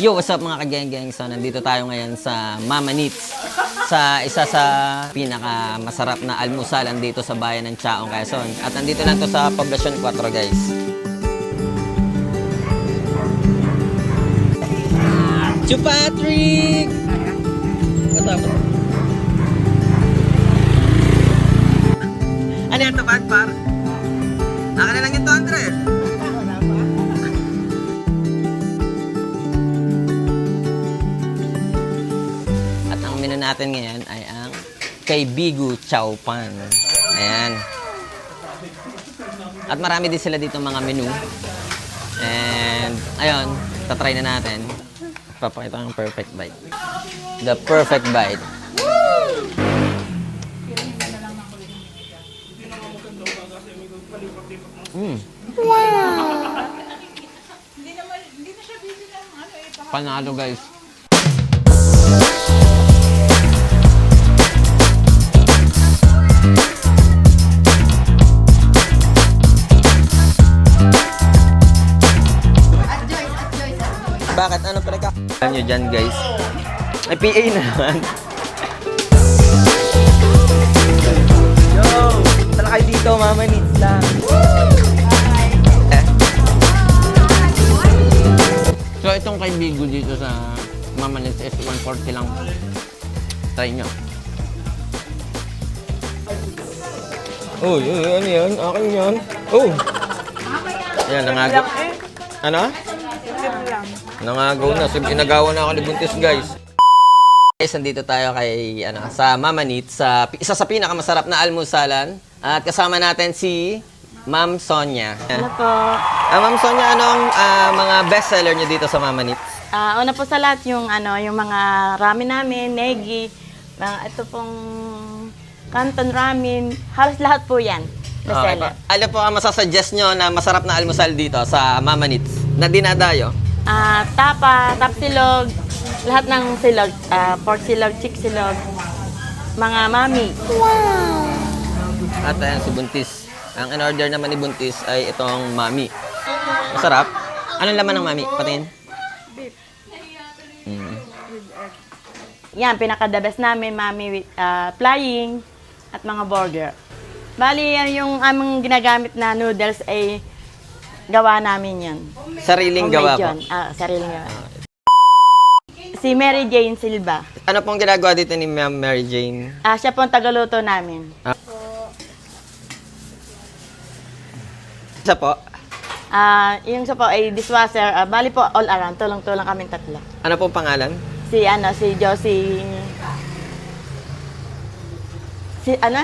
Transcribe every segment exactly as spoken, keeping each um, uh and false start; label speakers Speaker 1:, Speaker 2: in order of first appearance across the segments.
Speaker 1: Yo, what's up mga kageng-geng? So, nandito tayo ngayon sa Mama Neats. Sa isa sa pinaka masarap na almusalan dito sa bayan ng Chaong, Quezon. At nandito lang to sa Poblacion four, guys. Chu Patrick! What's up? Ano yan, tapad, par? Naka na lang yung two hundred. Menu natin ngayon ay ang kay Bigu Chow Pan. Ayan. At marami din sila dito mga menu. And, ayun, tatry na natin. Papakita ng perfect bite. The perfect bite. Mm. Wow! Panalo, guys. Bakit? Ano pala ka? Alam nyo dyan, guys. May P A na naman. Yo! Tala kayo dito, Mama Neats lang. Eh. So, itong kay Bigu dito sa Mama Neats is one forty lang. Try nyo. Uy, uy, ano yan? Akin yan. Oh! Ayan, nangagaw. Ano? Nangagaw na. Inagawa na ako ni Buntis, guys. Guys, nandito tayo kay, ano, sa Mama Neats, sa isa sa pinakamasarap na almusalan. At kasama natin si Ma'am Sonia.
Speaker 2: Ano po?
Speaker 1: Ah, Ma'am Sonia, anong uh, mga bestseller niyo dito sa Mama Neats?
Speaker 2: Ah, una po sa lahat yung ano, yung mga ramen namin, negi, mga ito pong canton ramen, halos lahat po 'yan. Bestseller.
Speaker 1: Okay. Ano po ang masasuggest nyo na masarap na almusal dito sa Mama Neats na dinadayo?
Speaker 2: Ah, tapa, tapsilog, lahat ng silog, ah, pork silog, chick silog, mga mami. Wow!
Speaker 1: At ayan, si Buntis. Ang in-order naman ni Buntis ay itong mami. Masarap. Anong laman ng mami? Patingin.
Speaker 2: Beef.
Speaker 1: Mm.
Speaker 2: Yan, pinaka-the best namin, mami with ah, flying at mga burger. Bali, yan yung aming ginagamit na noodles ay gawa namin yan.
Speaker 1: Sariling gawa po.
Speaker 2: Ah, sariling gawa. Si Mary Jane Silva.
Speaker 1: Ano pong ginagawa dito ni Ma'am Mary Jane?
Speaker 2: Ah, siya po ang tagaluto namin.
Speaker 1: Ah. Isa po?
Speaker 2: Ah, yung siya po ay dishwasher. Ah, bali po all around, tulong-tulong kami tatlo.
Speaker 1: Ano pong pangalan?
Speaker 2: Si ano, si Josie. Si ano?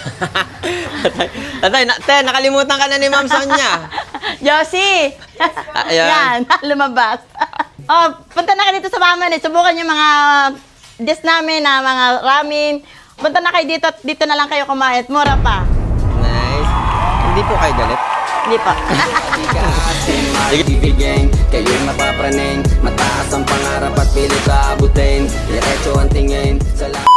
Speaker 1: Tatay, na, te, nakalimutan ka na ni Ma'am Sonia.
Speaker 2: Josie!
Speaker 1: Ah, ayan.
Speaker 2: Yan, lumabas. Oh, punta na kayo dito sa Mama Neats. Subukan yung mga dish namin na mga ramen. Punta na kayo dito at dito na lang kayo kumain. Mura pa.
Speaker 1: Nice. Hindi po kayo galit?
Speaker 2: Hindi pa.
Speaker 3: Ibigay kayo'y mapapraning. Mataas ang pangarap at pilit aabutin. Diretso ang tingin sa lahat.